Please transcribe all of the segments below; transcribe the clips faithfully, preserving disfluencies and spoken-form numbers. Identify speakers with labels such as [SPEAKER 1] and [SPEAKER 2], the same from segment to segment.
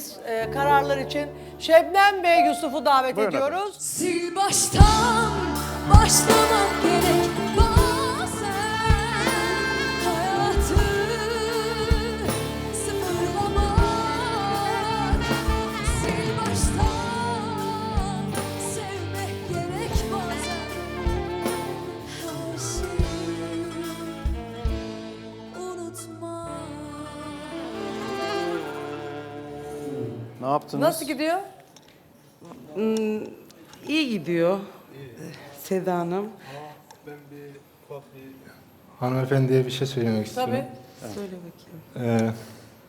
[SPEAKER 1] biz e, kararlar için Şebnem ve Yusuf'u davet
[SPEAKER 2] Buyurun
[SPEAKER 1] ediyoruz.
[SPEAKER 3] Sil baştan başlamak gerek bazen hayatı sıfırlamak. Sil baştan sevmek gerek bazen her şeyi unutmak.
[SPEAKER 2] Ne yaptınız?
[SPEAKER 1] Nasıl gidiyor?
[SPEAKER 4] İyi gidiyor Seda Hanım.
[SPEAKER 5] Ben bir ufak bir hanımefendiye bir şey söylemek istiyorum.
[SPEAKER 1] Tabii.
[SPEAKER 4] Söyle bakayım.
[SPEAKER 5] Ee,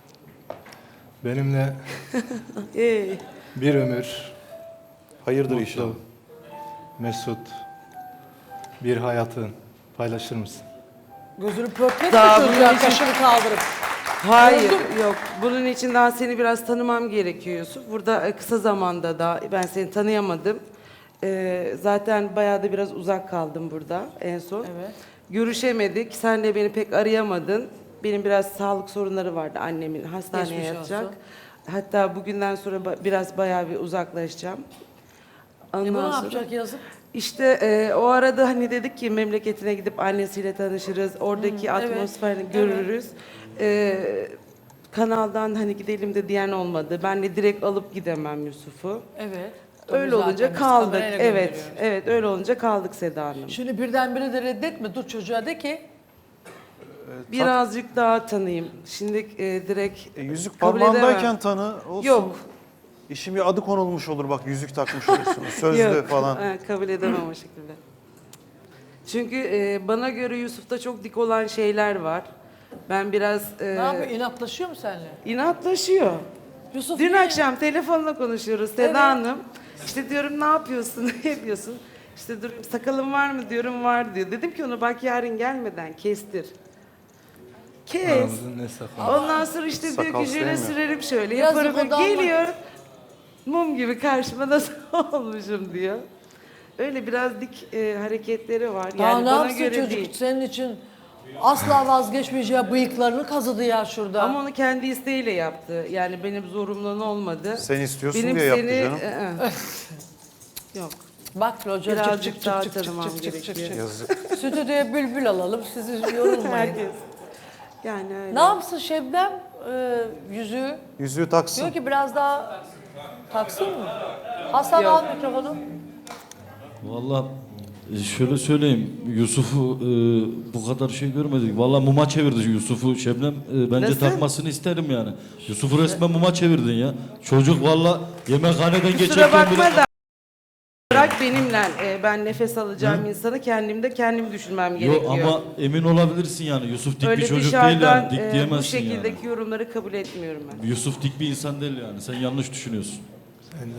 [SPEAKER 5] benimle
[SPEAKER 4] Ee,
[SPEAKER 5] bir ömür
[SPEAKER 2] Hayırdır inşallah.
[SPEAKER 5] mutlu, mesut bir hayatın paylaşır mısın?
[SPEAKER 1] Gözünü pörtlet
[SPEAKER 4] Daha
[SPEAKER 1] mi
[SPEAKER 4] bunun
[SPEAKER 1] çocuğa
[SPEAKER 4] için-
[SPEAKER 1] kaşını kaldırıp?
[SPEAKER 4] hayır yok. Bunun için daha seni biraz tanımam gerekiyor Yusuf. Burada e, kısa zamanda da ben seni tanıyamadım. Ee, zaten bayağı da biraz uzak kaldım burada en son.
[SPEAKER 1] Evet.
[SPEAKER 4] Görüşemedik. Sen de beni pek arayamadın. Benim biraz sağlık sorunları vardı annemin. Hastaneye
[SPEAKER 1] Geçmiş
[SPEAKER 4] yatacak.
[SPEAKER 1] olsun.
[SPEAKER 4] Hatta bugünden sonra ba- biraz bayağı bir uzaklaşacağım.
[SPEAKER 1] E bu
[SPEAKER 4] Ondan
[SPEAKER 1] ne
[SPEAKER 4] sonra-
[SPEAKER 1] yapacak yazık?
[SPEAKER 4] İşte e, o arada hani dedik ki memleketine gidip annesiyle tanışırız, oradaki
[SPEAKER 1] evet,
[SPEAKER 4] atmosferini görürüz. E, kanaldan hani gidelim de diyen olmadı. Ben de direkt alıp gidemem Yusuf'u.
[SPEAKER 1] Evet.
[SPEAKER 4] Öyle
[SPEAKER 1] Tabii
[SPEAKER 4] olunca
[SPEAKER 1] zaten biz
[SPEAKER 4] kaldık.
[SPEAKER 1] kamerayla
[SPEAKER 4] Evet,
[SPEAKER 1] gönderiyoruz.
[SPEAKER 4] evet öyle olunca kaldık Seda Hanım.
[SPEAKER 1] Şimdi birdenbire de reddetme. Dur çocuğa de ki.
[SPEAKER 4] Birazcık daha tanıyayım. Şimdi e, direkt
[SPEAKER 2] E, yüzük
[SPEAKER 4] kabul
[SPEAKER 2] parmağındayken
[SPEAKER 4] edemem.
[SPEAKER 2] tanı olsun.
[SPEAKER 4] Yok.
[SPEAKER 2] İşin bir adı konulmuş olur bak yüzük takmış olursunuz. Sözlü
[SPEAKER 4] Yok,
[SPEAKER 2] falan.
[SPEAKER 4] e, kabul edemem o şekilde. Çünkü e, bana göre Yusuf'ta çok dik olan şeyler var. Ben biraz e,
[SPEAKER 1] Ne yapıyor? İnatlaşıyor mu seninle?
[SPEAKER 4] inatlaşıyor.
[SPEAKER 1] Yusuf
[SPEAKER 4] Dün
[SPEAKER 1] niye?
[SPEAKER 4] akşam telefonla konuşuyoruz Seda
[SPEAKER 1] Evet.
[SPEAKER 4] Hanım. İşte diyorum ne yapıyorsun, ne yapıyorsun? İşte dur sakalın var mı diyorum var diyor. Dedim ki ona bak yarın gelmeden kestir. Kes.
[SPEAKER 5] Aramızın ne sakın.
[SPEAKER 4] Ondan sonra işte diyor
[SPEAKER 2] Sakal
[SPEAKER 4] ki jöle
[SPEAKER 2] sevmiyor.
[SPEAKER 4] sürerim şöyle
[SPEAKER 1] Yazık
[SPEAKER 4] yaparım.
[SPEAKER 1] o
[SPEAKER 4] böyle.
[SPEAKER 1] da ama-
[SPEAKER 4] Geliyor mum gibi karşıma nasıl olmuşum diyor. Öyle biraz dik e, hareketleri var.
[SPEAKER 1] Daha
[SPEAKER 4] Yani
[SPEAKER 1] ne
[SPEAKER 4] bana
[SPEAKER 1] yapsın
[SPEAKER 4] göre
[SPEAKER 1] çocuk
[SPEAKER 4] değil.
[SPEAKER 1] senin için asla vazgeçmeyeceği bıyıklarını kazıdı ya şurada.
[SPEAKER 4] Ama onu kendi isteğiyle yaptı. Yani benim zorumdan olmadı.
[SPEAKER 2] Sen istiyorsun
[SPEAKER 4] benim
[SPEAKER 2] diye yaptı
[SPEAKER 4] seni,
[SPEAKER 2] canım.
[SPEAKER 4] ı-ı. Yok.
[SPEAKER 1] Bak hoca çık
[SPEAKER 4] Birazcık
[SPEAKER 1] çık
[SPEAKER 4] daha
[SPEAKER 1] çık çık
[SPEAKER 4] tanımam
[SPEAKER 1] çık çık çık
[SPEAKER 4] gerekiyor.
[SPEAKER 1] çık.
[SPEAKER 2] Yazık.
[SPEAKER 1] Stüdyoya bülbül alalım sizi yorulmayın.
[SPEAKER 4] Herkes. Yani öyle.
[SPEAKER 1] Ne yapsın Şebnem e, yüzüğü?
[SPEAKER 2] Yüzüğü taksın.
[SPEAKER 1] Diyor ki biraz daha taksın mı? Hasan
[SPEAKER 4] Yok.
[SPEAKER 1] al mikrofonu.
[SPEAKER 6] Vallahi e, şöyle söyleyeyim, Yusuf'u e, bu kadar şey görmedik. Vallahi muma çevirdi Yusuf'u Şebnem. E, bence
[SPEAKER 4] Nasıl?
[SPEAKER 6] takmasını isterim yani. Yusuf'u resmen muma çevirdin ya. Çocuk vallahi yemekhaneden
[SPEAKER 4] Kusura
[SPEAKER 6] geçerken
[SPEAKER 4] bakma
[SPEAKER 6] bile...
[SPEAKER 4] da bırak benimle e, ben nefes alacağım insanı kendimde kendim düşünmem
[SPEAKER 6] Yok
[SPEAKER 4] gerekiyor.
[SPEAKER 6] ama emin olabilirsin yani. Yusuf dik
[SPEAKER 4] Öyle
[SPEAKER 6] bir çocuk
[SPEAKER 4] dışarıdan
[SPEAKER 6] değil yani. Dik
[SPEAKER 4] e, bu
[SPEAKER 6] diyemezsin
[SPEAKER 4] şekildeki
[SPEAKER 6] yani.
[SPEAKER 4] yorumları kabul etmiyorum ben.
[SPEAKER 6] Yusuf dik bir insan değil yani. Sen yanlış düşünüyorsun.